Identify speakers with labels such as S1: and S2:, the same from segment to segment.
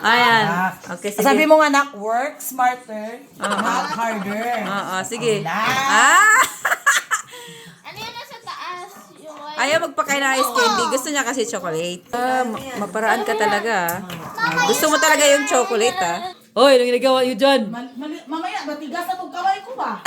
S1: Ayan. Okay, sige.
S2: Sabi mo nga, anak, work smarter, not harder.
S1: Oo, sige.
S2: Wala.
S3: Ano yun nasa taas? Yung
S1: Ayaw magpakain ng ice candy. Gusto niya kasi chocolate. Maparaan ka talaga. Gusto mo talaga yung chocolate, Hoy, anong ginagawa niyo dyan?
S2: Mamaya, matigas na itong kamay ko ba?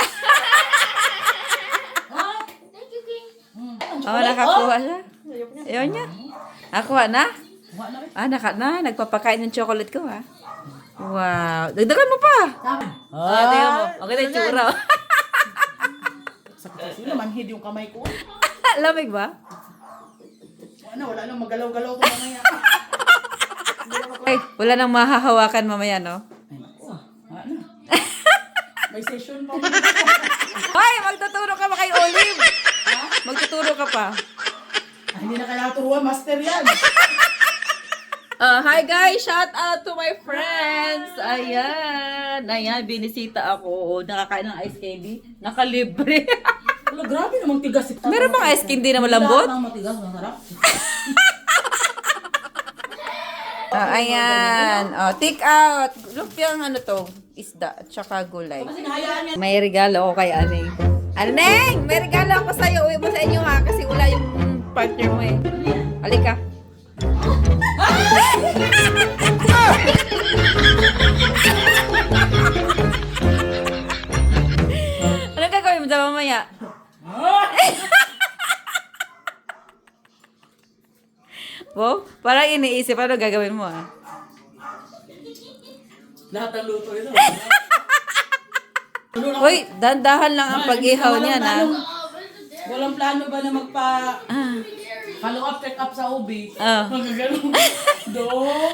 S3: Thank you, King.
S1: Nakakuha siya. Ayaw niya. Nakuha na? Nagpapakain ng chocolate ko, Wow. Dagdagan mo pa. Tingnan mo. Okay na yung tsura.
S2: Sakit kasi manhid yung kamay ko.
S1: Lamig ba?
S2: Wala nang magalaw-galaw ko mamaya.
S1: Ay, wala nang mahahawakan mamaya, no?
S2: Ay, naku. Ano? May session pa.
S1: Hoy, magtuturo ka ba kay Olive? Magtuturo ka pa.
S2: Hindi na kailangan turuan, master yan.
S1: Hi guys! Shout out to my friends! Ayan! Ayan, binisita ako. Nakakain ng ice candy. Nakalibre.
S2: Wala, grabe namang tigas ito.
S1: Meron bang ice candy na malambot?
S2: Wala namang matigas, masarap.
S1: Ayan. Take out. Lumpiang isda at saka gulay.
S2: Kasi nahayaan yan.
S1: May regalo ako kay Aneng. Aneng! May regalo ako sa'yo. Uwi mo sa inyo kasi wala yung partner mo Halika. Anong gagawin mo sa mamaya? Wow, parang iniisip, ano gagawin mo
S2: Lahat ng luto ito.
S1: Uy, dandahan lang ang pag-ihaw niya
S2: Walang plano ba na follow up, check up sa OB? Magagano. Dok!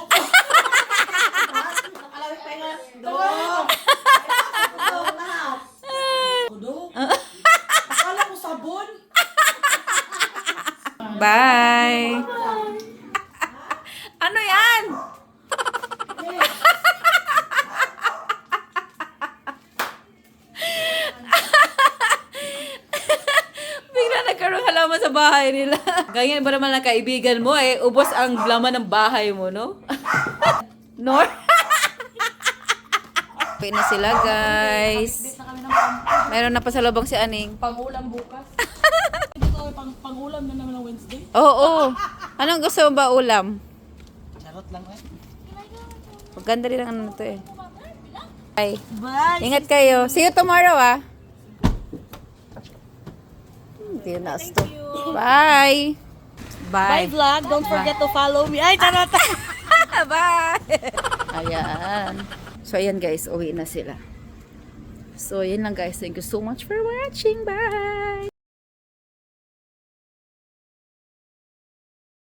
S2: Dok! Dok! Akala ko sabon.
S1: Bye! Ano yan? Bigla nagkaroon halaman sa bahay nila. Ganyan ba naman ang kaibigan mo ubos ang laman ng bahay mo, no? Nor? Uwi na sila, guys. Meron na pasalubong si Aning.
S2: Pang-ulam bukas. Ito pang-ulam na naman ng Wednesday.
S1: Oo. Anong gusto mo ba ulam?
S2: Charot lang
S1: Maganda rin ang ano to Bye.
S2: Bye!
S1: Ingat kayo. See you tomorrow, Hindi na stop. Bye. Bye.
S2: Bye vlog! Don't forget to follow me. Ay, charot!
S1: Bye. Ayan. So, ayan guys. Uwi na sila. So, yun lang guys. Thank you so much for watching. Bye.